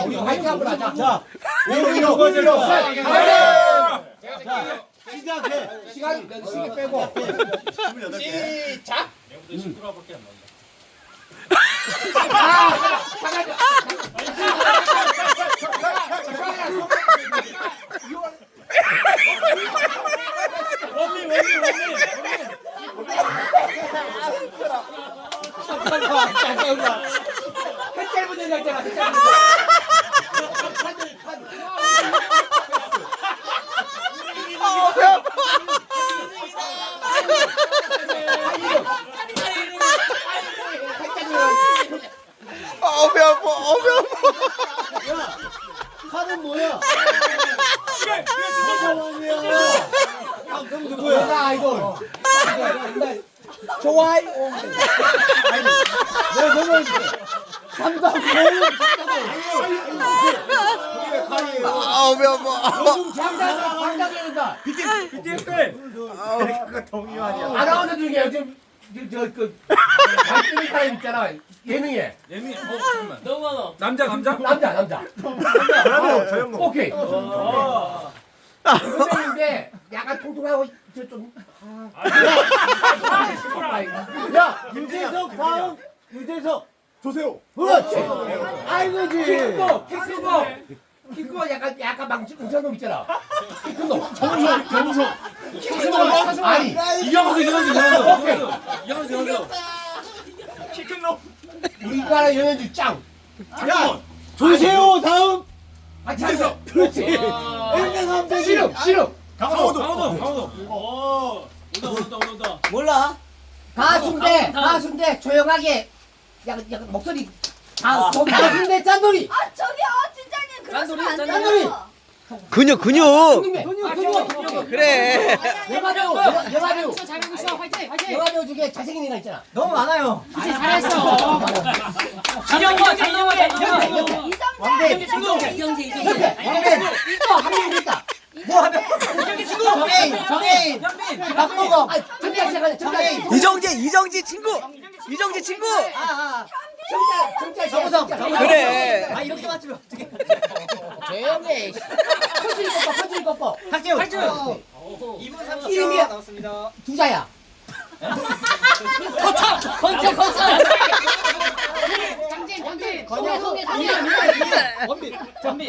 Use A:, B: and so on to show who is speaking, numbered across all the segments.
A: 우리 화이팅 한번 하자.
B: 자,
A: 우리로
B: 거제로.
A: 자,
B: 시작해.
A: 시간 빼고. 시작.
C: 시끄러워밖에 안 나온다.
A: 햇살 분들 있잖아.
D: 배 아파.
B: 야, 칼은 뭐야? 아, 그럼 누구야?
A: 나 이거. 좋아요.
B: 내가 설명해줄게. 3단
D: 배 아파.
A: 요즘 장단해야 된다.
C: BTS.
A: 아나운서 중에 요즘 저그 발등이 사람 있잖아. 예능에
C: 예미. 잠깐만. 너무 많아. 남자.
A: 남자. 오케이. 선생님인데 약간 통통하고 저좀
B: 야, 유재석 다음. 유재석. 조세호.
A: 그렇지.
B: 아이고지.
A: 키크고 약간 망치 웅장놈 있잖아. 키크놈.
B: 정석.
A: 키크놈. 아니.
C: 이경수.
A: 우리나라 연예주 짱.
B: 야, 조세호 다음.
A: 유재석. 그렇지. 씨름.
C: 강호도. 온다.
A: 몰라. 가수인데 조용하게 약간 목소리 가수인데 짠돌이.
E: 아 저기요 팀장님 그러시면 안
A: 짠돌이.
E: 돼요.
D: 근육.
A: 근육.
D: 그래.
A: 영화배우.
F: 잘하고 있어. 화이팅.
A: 영화배우 중에 잘생긴 애가 있잖아.
B: 너무 많아요.
F: 잘했어.
E: 이정재.
A: 이거 한명 있다.
B: 정혜인. 박보검.
A: 정혜인.
D: 이정재 친구.
A: 정우성.
D: 그래.
B: 아, 이렇게 맞추면 어떡해.
A: 조용해. 퍼즐 꺾어.
B: 박재훈.
A: 이분 이름이
B: 나왔습니다.
A: 두자야.
F: 건차. 장진.
B: 원빈.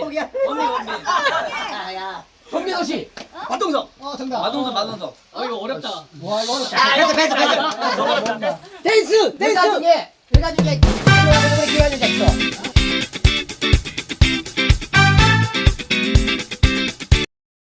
A: 권민호 씨.
B: 마동석.
A: 정답.
C: 마동석.
F: 이거 어렵다.
A: 와, 이거 어렵다.
B: 댄스.
A: 내가 중에 기관이 있어.